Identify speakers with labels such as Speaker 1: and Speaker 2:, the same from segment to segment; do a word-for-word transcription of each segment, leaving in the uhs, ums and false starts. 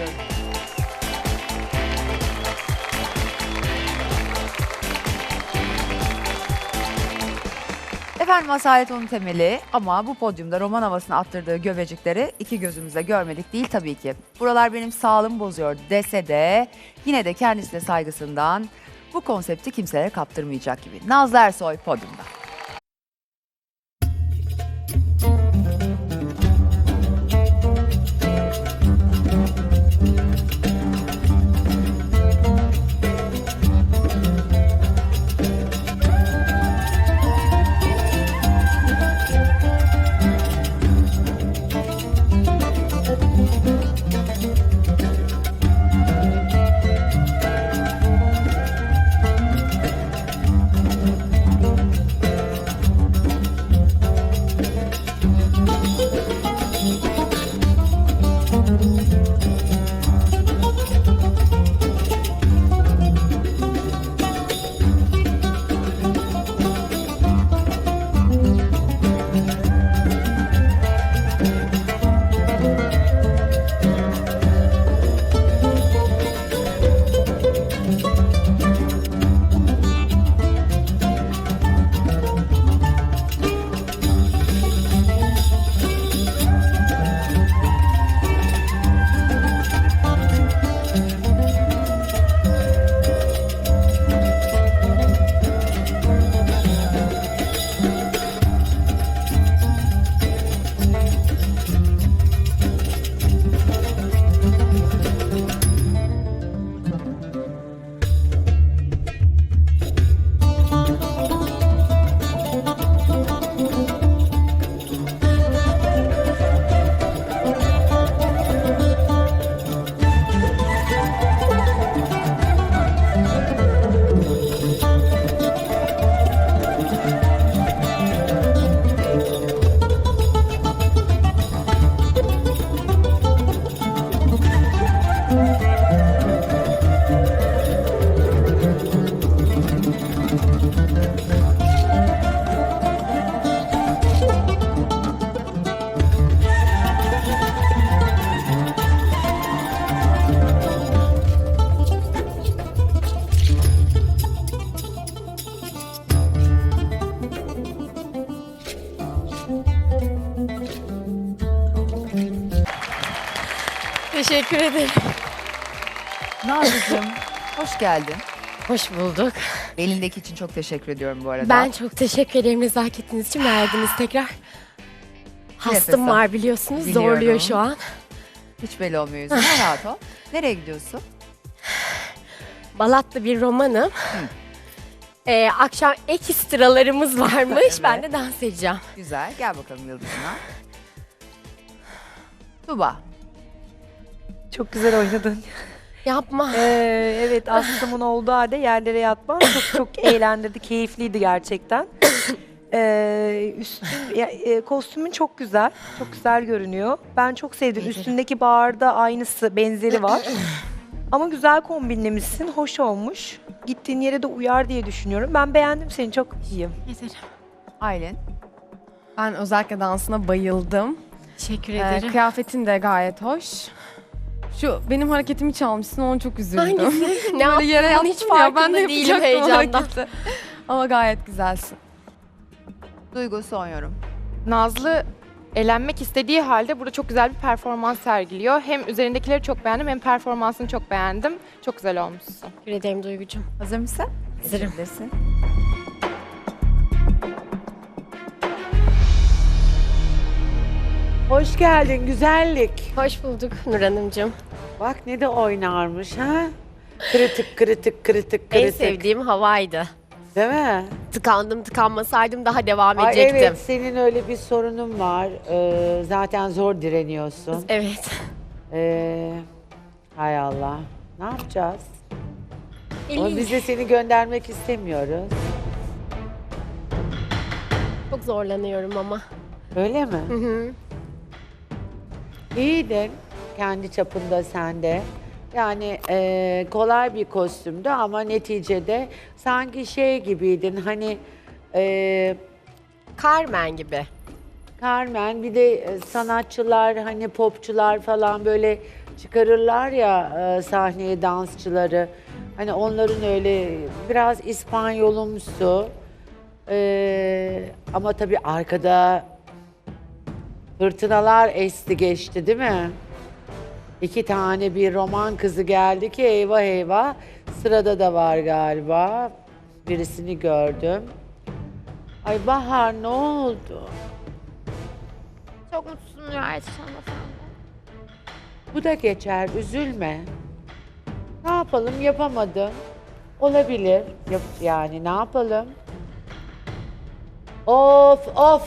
Speaker 1: ediyorum. Efendim Asalet onun temeli ama bu podyumda roman havasını attırdığı göbecikleri iki gözümüzle görmedik değil tabii ki. Buralar benim sağlığımı bozuyor dese de yine de kendisine saygısından bu konsepti kimselere kaptırmayacak gibi. Nazlı Ersoy podyumda.
Speaker 2: Teşekkür ederim.
Speaker 1: Nazlı'cığım hoş geldin.
Speaker 2: Hoş bulduk.
Speaker 1: Elindeki için çok teşekkür ediyorum bu arada.
Speaker 2: Ben çok teşekkür ederim nezaketiniz için verdiniz tekrar. Hastım
Speaker 1: Nefes al.
Speaker 2: var biliyorsunuz.
Speaker 1: Biliyorum.
Speaker 2: Zorluyor şu an.
Speaker 1: Hiç belli olmuyor yüzüne. Rahat ol. Nereye gidiyorsun?
Speaker 2: Balatlı bir romanım. Ee, akşam ekstralarımız varmış.
Speaker 1: Evet.
Speaker 2: Ben de dans edeceğim.
Speaker 1: Güzel. Gel bakalım yıldızına. Tuba.
Speaker 3: Çok güzel oynadın.
Speaker 2: Yapma.
Speaker 3: Ee, evet aslımın olduğu halde yerlere yatman çok çok eğlendirdi, keyifliydi gerçekten. Ee, üstün, ya, e, kostümün çok güzel, çok güzel görünüyor. Ben çok sevdim. Üstündeki bağırda aynısı, benzeri var. Ama güzel kombinlemişsin, hoş olmuş. Gittiğin yere de uyar diye düşünüyorum. Ben beğendim seni, çok iyiyim.
Speaker 2: Yeterim.
Speaker 1: Aylin.
Speaker 4: Ben özellikle dansına bayıldım.
Speaker 2: Teşekkür
Speaker 4: Ee,
Speaker 2: ederim.
Speaker 4: kıyafetin de gayet hoş. Şu benim hareketimi çalmışsın, ona çok üzüldüm.
Speaker 2: Hangisi? ne
Speaker 4: Böyle
Speaker 2: yaptım?
Speaker 4: yere
Speaker 2: Bunun hiç
Speaker 4: yattım ya, ben
Speaker 2: farkında
Speaker 4: de
Speaker 2: değilim
Speaker 4: yapacaktım o
Speaker 2: heyecandan.
Speaker 4: hareketi. Ama gayet güzelsin.
Speaker 1: Duygu son yorum.
Speaker 5: Nazlı elenmek istediği halde burada çok güzel bir performans sergiliyor. Hem üzerindekileri çok beğendim hem performansını çok beğendim. Çok güzel olmuşsun.
Speaker 2: Teşekkür ederim Duygucuğum.
Speaker 1: Hazır mısın?
Speaker 2: Hazırım.
Speaker 1: Geçebilirsin.
Speaker 6: Hoş geldin güzellik.
Speaker 2: Hoş bulduk Nur Hanımcığım.
Speaker 6: Bak ne de oynarmış ha. Kritik kritik kritik kritik.
Speaker 2: En sevdiğim havaydı.
Speaker 6: Değil mi?
Speaker 2: Tıkandım tıkanmasaydım daha devam
Speaker 6: Ay
Speaker 2: edecektim.
Speaker 6: evet senin öyle bir sorunun var. Ee, zaten zor direniyorsun.
Speaker 2: Evet.
Speaker 6: Ee, hay Allah. Ne yapacağız? Ama
Speaker 2: İyi.
Speaker 6: biz de seni göndermek istemiyoruz.
Speaker 2: Çok zorlanıyorum ama.
Speaker 6: Öyle mi?
Speaker 2: Hı hı.
Speaker 6: İyiydin. Kendi çapında sende. Yani eee, kolay bir kostümdü ama neticede sanki şey gibiydin hani eee
Speaker 2: Carmen gibi.
Speaker 6: Carmen bir de e, sanatçılar hani popçular falan böyle çıkarırlar ya e, sahneye dansçıları. Hani onların öyle biraz İspanyolumsu. Ee, ama tabii arkada fırtınalar esti geçti değil mi? İki tane bir roman kızı geldi ki eyvah eyvah. Sırada da var galiba. Birisini gördüm. Ay Bahar ne oldu?
Speaker 7: Çok mutsuzum gerçekten efendim.
Speaker 6: Bu da geçer, üzülme. Ne yapalım, yapamadım. Olabilir, yap yani ne yapalım? Of of!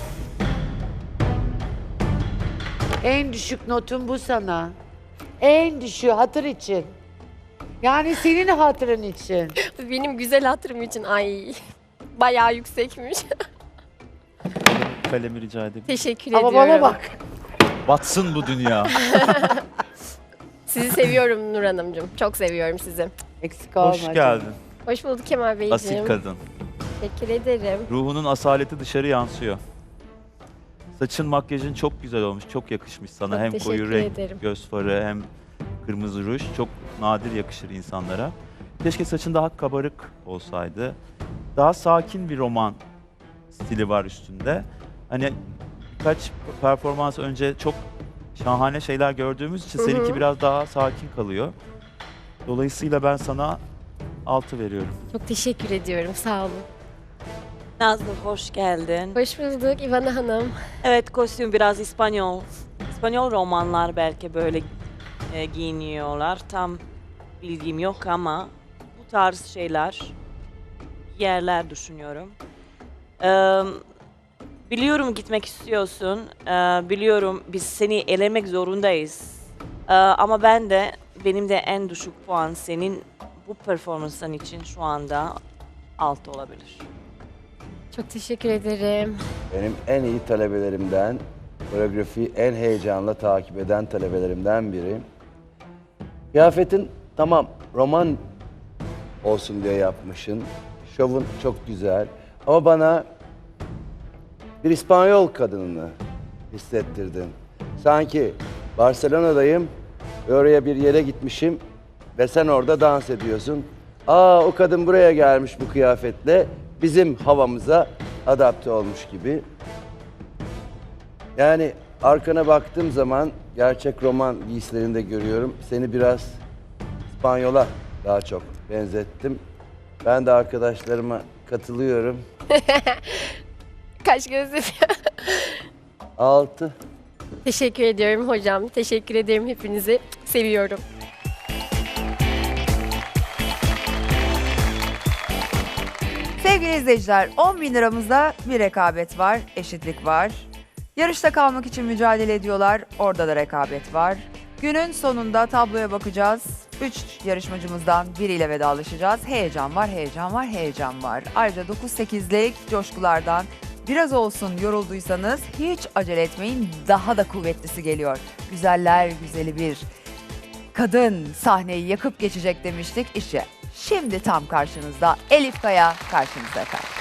Speaker 6: En düşük notum bu sana. En düşüğü hatır için. Yani senin hatırın için.
Speaker 2: Benim güzel hatırım için ay bayağı yüksekmiş.
Speaker 8: Kalemi rica edeyim.
Speaker 2: Teşekkür
Speaker 6: Ama
Speaker 2: ediyorum.
Speaker 6: bana bak.
Speaker 8: Batsın bu dünya.
Speaker 2: Sizi seviyorum Nur Hanımcığım. Çok seviyorum sizi.
Speaker 6: Eksik olma.
Speaker 8: Hoş
Speaker 6: canım.
Speaker 8: geldin.
Speaker 2: Hoş bulduk Kemal Beyciğim.
Speaker 8: Asil kadın.
Speaker 2: Teşekkür ederim.
Speaker 8: Ruhunun asaleti dışarı yansıyor. Saçın, makyajın çok güzel olmuş. Çok yakışmış sana.
Speaker 2: Çok
Speaker 8: hem koyu
Speaker 2: teşekkür
Speaker 8: renk,
Speaker 2: ederim.
Speaker 8: göz farı hem kırmızı ruj. Çok nadir yakışır insanlara. Keşke saçın daha kabarık olsaydı. Daha sakin bir roman stili var üstünde. Hani birkaç performans önce çok şahane şeyler gördüğümüz için
Speaker 2: Hı hı.
Speaker 8: seninki biraz daha sakin kalıyor. Dolayısıyla ben sana altı veriyorum.
Speaker 2: Çok teşekkür ediyorum. Sağ olun.
Speaker 9: Nazlı hoş geldin.
Speaker 2: Hoş bulduk İvana Hanım.
Speaker 9: Evet kostüm biraz İspanyol. İspanyol romanlar belki böyle e, giyiniyorlar. Tam bilgim yok ama bu tarz şeyler yerler düşünüyorum. Ee, biliyorum gitmek istiyorsun. Ee, biliyorum biz seni elemek zorundayız. Ee, ama ben de benim de en düşük puan senin bu performansın için şu anda altı olabilir.
Speaker 2: Çok teşekkür ederim.
Speaker 10: Benim en iyi talebelerimden, koreografiyi en heyecanla takip eden talebelerimden biri. Kıyafetin tamam roman olsun diye yapmışsın. Şovun çok güzel. Ama bana bir İspanyol kadınını hissettirdin. Sanki Barcelona'dayım ve oraya bir yere gitmişim ve sen orada dans ediyorsun. Aa o kadın buraya gelmiş bu kıyafetle. Bizim havamıza adapte olmuş gibi. Yani arkana baktığım zaman gerçek roman giysilerinde görüyorum. Seni biraz İspanyola daha çok benzettim. Ben de arkadaşlarıma katılıyorum.
Speaker 2: Kaç göz yapıyor.
Speaker 10: Altı.
Speaker 2: Teşekkür ediyorum hocam. Teşekkür ederim hepinizi. Seviyorum.
Speaker 1: Sevgili izleyiciler, on bin liramızda bir rekabet var, eşitlik var. Yarışta kalmak için mücadele ediyorlar, orada da rekabet var. Günün sonunda tabloya bakacağız. Üç yarışmacımızdan biriyle vedalaşacağız. Heyecan var, heyecan var, heyecan var. Ayrıca dokuz sekizlik coşkulardan biraz olsun yorulduysanız hiç acele etmeyin. Daha da kuvvetlisi geliyor. Güzeller güzeli bir kadın sahneyi yakıp geçecek demiştik. İşte şimdi tam karşınızda Elif Kaya karşınızda efendim.